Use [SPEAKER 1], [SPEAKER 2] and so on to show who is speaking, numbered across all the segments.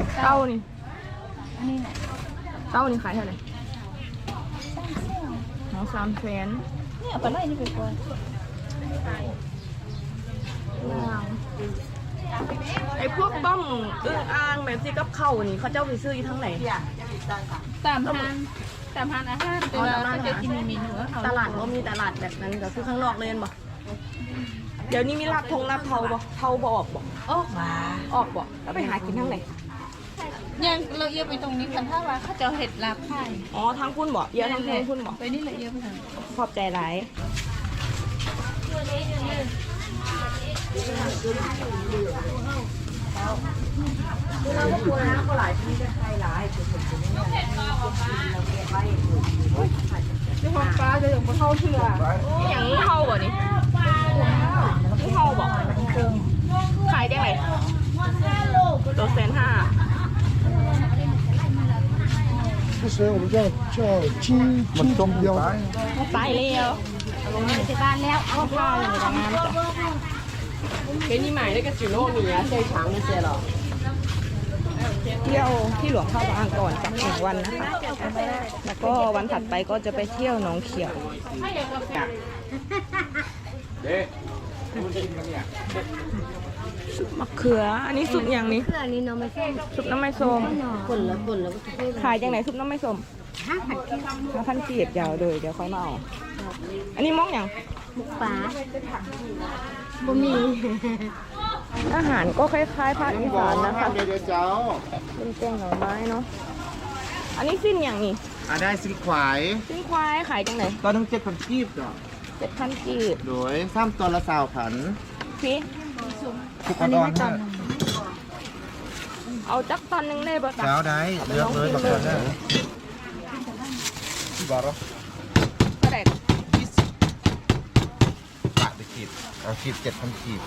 [SPEAKER 1] เต้านี่
[SPEAKER 2] อันนี้ไหน
[SPEAKER 1] เต้านี่ขายเท่าไหร่หอ300,000
[SPEAKER 2] เนี่ยเอาไปไล่นี่ไปก่อน
[SPEAKER 1] ไอ้พวกต้มอึ่งอ่างแบบที่กับข้าวนี่เขาเจ้าไปซื้ออยู่ทั้งไหน
[SPEAKER 2] ตามทางอาหารแต่ว่าเขาจะกินเมนูเขา
[SPEAKER 1] ตลาดก็มีตลาดแบบนั้นก็คือข้างนอกเลยบ่เดี๋ยวนี้มีลาบเทาบ่เทาบ่ออกบ่
[SPEAKER 2] โอ้ว้า
[SPEAKER 1] ออกบ่แล้วไปหากินทั้งไหน
[SPEAKER 2] ยังเราเยอะไปตรงนี้กันถ้าว่าเขาจะเห็ดลาบไข่
[SPEAKER 1] อ๋อทางคุณบ่เยอะทางคุณบ่
[SPEAKER 2] ไปนี่ละเยอะไปทาง
[SPEAKER 1] ขอบใจหลายเราก็ควรนะก็หลายที่จะใครหลายนี่ของปลาจะอย่างปลาเท่าเชื่ออย่างนี้เท่าบ่นี่นี่เท่าบ่ขายได้ไหมตัว150,000
[SPEAKER 3] 不是，我们叫金标。
[SPEAKER 1] ไปเร็ว
[SPEAKER 2] ที่บ้านแล้วเอา
[SPEAKER 1] ข้าวอยู่ในงานจ้ะ给你买那个纸糯米啊最长那些了เที่ยวที่หลวงพ่อบางก่อนจาก1 วันนะคะ แล้วก็วันถัดไปก็จะไปเที่ยวหนองเขียวซุปมะเขือ อันนี้ซุปอย่างนี้
[SPEAKER 2] เพื่อนี้น้องไม่ใช่
[SPEAKER 1] ซุปน้ำไม่ส้ม
[SPEAKER 2] คนละก็จะพูด
[SPEAKER 1] ขายยังไงซุปน้ำไม่ส้ม 5,000 กีบเดี๋ยวค่อยมาเอาอันนี้มองอย่าง
[SPEAKER 2] มุกปลาบ่มี
[SPEAKER 1] อาหารก็คล้ายๆภาคอีสานนะคะ
[SPEAKER 3] เดี๋ยวเจ้า
[SPEAKER 1] เป็นแกงหน่อไม้เนาะ อันนี้สิ้นอย่างนี้
[SPEAKER 3] ได้สิขวาย
[SPEAKER 1] สิ้นควายขายจังไหน
[SPEAKER 3] ตอนทั้ง7,000กีบจ้ะ
[SPEAKER 1] 7,000 กีบ
[SPEAKER 3] โดย3ตัวละ20,000
[SPEAKER 1] พี่
[SPEAKER 3] ทุกคนอ่อนฮะ
[SPEAKER 1] เอาจักตอนนึงได้ปะ
[SPEAKER 3] เจ้าได้เลือกเลยแบบนั้นนะบาร์
[SPEAKER 1] ก็ได้
[SPEAKER 3] ปะไปกีบเอากีบ7,000กีบ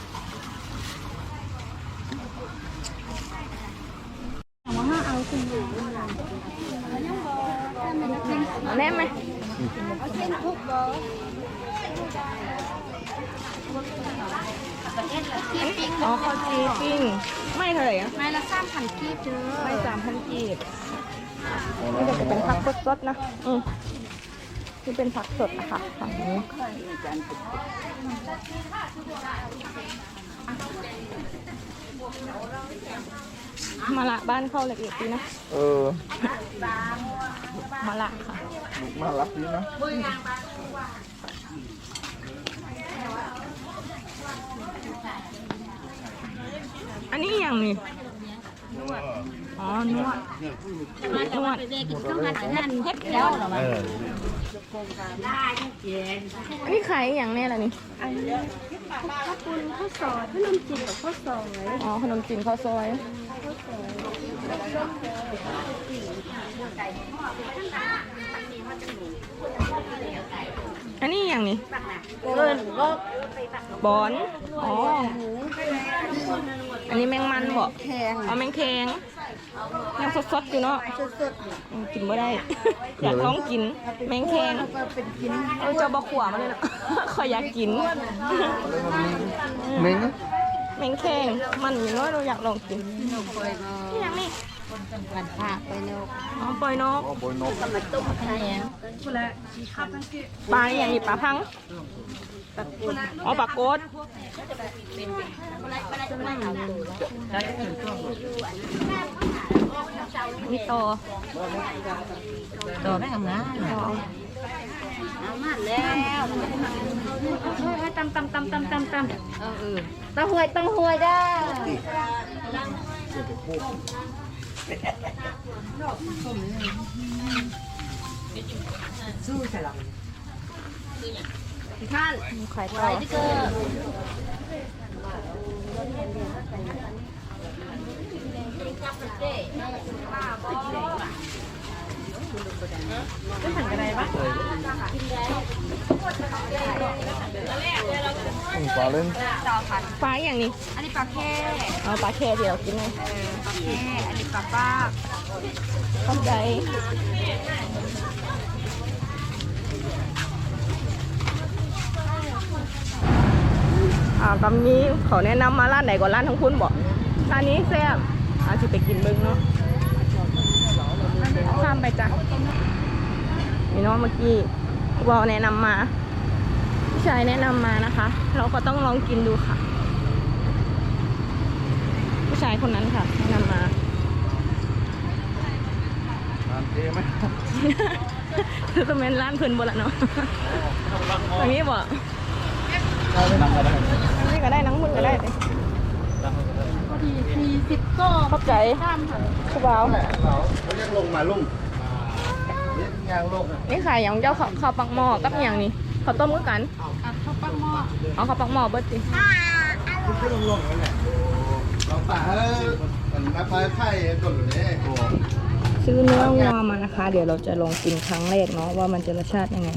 [SPEAKER 1] แน่ไหมอ๋อข้าวจีปิ้งไม่เท่าไหร่อะ
[SPEAKER 2] ไม้ละ3,000กีบเด้อ
[SPEAKER 1] ไม่3,000 กีบนี่จะเป็นผักสดๆนะนี่เป็นผักสดนะคะฝั่งนี้มาละบ้านเข้าละเอียดดีนะมาละค่ะ
[SPEAKER 3] มารับดีนะ
[SPEAKER 1] อันนี้อย่างนี้อ๋อนวดนวด
[SPEAKER 2] เด็กต้องหัดอาหารเฮ็ดแล้วเหรอวะ
[SPEAKER 1] อันนี้ขายอย่างแน่ละนี่
[SPEAKER 2] อันนี้ข้าวปุ้นข้าวซอยขนมจีนกับข้าวซอย
[SPEAKER 1] อ๋อขนมจีนข้าวซอยอันนี้อย่างนี้
[SPEAKER 2] เงินก็
[SPEAKER 1] บอนอ๋ออันนี้แมงมันบ่
[SPEAKER 2] แพง
[SPEAKER 1] เอาแมงแคงยังสดๆอยู่เนาะ
[SPEAKER 2] สด
[SPEAKER 1] กินไม่ได้ อยากลองกินแมงแคง
[SPEAKER 2] ๆก็เป็นกิน
[SPEAKER 1] เจ้าบะขวามาเลยนะ ขอยอยากกิน
[SPEAKER 3] เม้ง
[SPEAKER 1] แมงแคงมันอยู่เนาะเราอยากลองกิน
[SPEAKER 2] คอยก็
[SPEAKER 1] นี่อย่างนี้
[SPEAKER 2] วันพระไปเนาะ
[SPEAKER 1] อ๋อปล่อยนก
[SPEAKER 3] โบยนก
[SPEAKER 2] มาต้มแพง
[SPEAKER 1] ปลาอย่างนี้ปลาพังอ๋อปลาโกดมีโต
[SPEAKER 2] ต่อได้ทำงานเอามาแล้วตำต้องหวยได้สู้ใช่หรอท่าน
[SPEAKER 1] ไข่ต่
[SPEAKER 2] ไป
[SPEAKER 1] อ
[SPEAKER 2] ที่เกิดไม่หันกันไรปะ
[SPEAKER 3] ปลาเล่น
[SPEAKER 1] ปลาอย่างนี้
[SPEAKER 2] อันนี้ปลาแค่
[SPEAKER 1] เอาปลาแค่ที่เรากินไง
[SPEAKER 2] ปลาแค่อันนี้ปลาป้า
[SPEAKER 1] เข้าใจตอนนี้เขาแนะนำมาร้านไหนก่อนร้านทั้งคุณบอกร้านนี้แซ่บอาจจะไปกินเบิ้งเนาะข้ามไปจ้ะนี่เนาะเมื่อกี้วอลแนะนำมาผู้ชายแนะนำมานะคะ เราก็ต้องลองกินดูค่ะ ผู้ชายคนนั้นค่ะแนะนำมาร้านเจ๊ไหมคือคอมเมนต์ร้านเพิ่นบ่ละเนาะตรงนี้บ่นี่ก็ได้นังมุนก็ได้เลยพอดี40ก็ขอบใจคุณบ่าวเขายังลงมาลุงนี่ยางลงนี่ขายอย่างเจ้าข้าวปักหม้อกับอย่างนี้ข้าวต้มก็กันข้าวปักหม้อเอาข้าวปักหม้อเบิดสิเราป่าเฮ้ยมันนับไปไข่ก่อนเลยซื้อเนื้อวัวมานะคะ เดี๋ยวเราจะลองกินครั้งแรกเนาะว่ามันจะรสชาติยังไง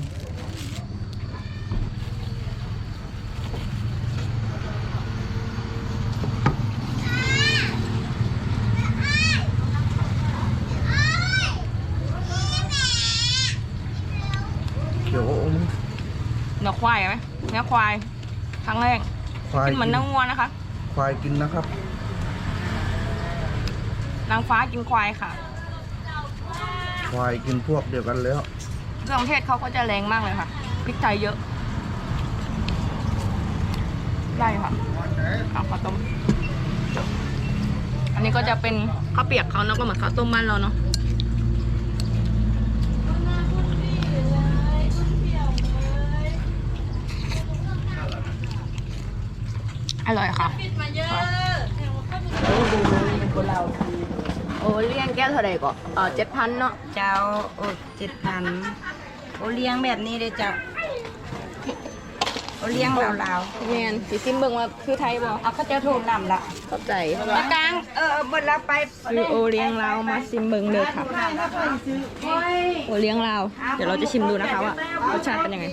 [SPEAKER 1] เขียวอมเนื้อควายไหมเนื้อควายครั้งแรกกินเหมือนเนื้อวัวนะคะควายกินนะครับนางฟ้ากินควายค่ะควายกินพวกเดียวกันแล้วเครื่องเทศเขาก็จะแรงมากเลยค่ะพริกไทยเยอะได้ค่ะข้าวต้มอันนี้ก็จะเป็นข้าวเปียกเขาเนาะก็เหมือนข้าวต้มบ้านเราเนาะอร่อยค่ะโอเลี้ยงแก้วเท่าไหร่ก่อน7,000เนาะ
[SPEAKER 2] เจ้าโอ้7,000โอเลี้ยงแบบนี้เลยเจ้าโอเลี้ยงลาวๆ
[SPEAKER 1] แมนสีซิมเบิ่งว่าคือไทยบ่
[SPEAKER 2] เอาเขาจะโทรนำละ
[SPEAKER 1] เข้าใจ
[SPEAKER 2] มากลางบนเราไป
[SPEAKER 1] คือโอเลี้ยงลาวมาซิมเบิ่งเลยค่ะโอเลี้ยงลาวเดี๋ยวเราจะชิมดูนะคะว่ารสชาติเป็นยังไง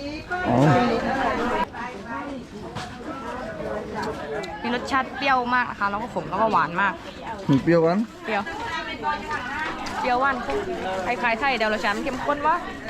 [SPEAKER 1] มีรสชาติเปรี้ยวมากนะคะแล้วก็ขมแล้วก็หวานมาก
[SPEAKER 4] เปรี้ยวหวาน
[SPEAKER 1] เปรี้ยวหวานคล้ายๆไทยเดี๋ยวรสชาติมันเข้มข้นวะ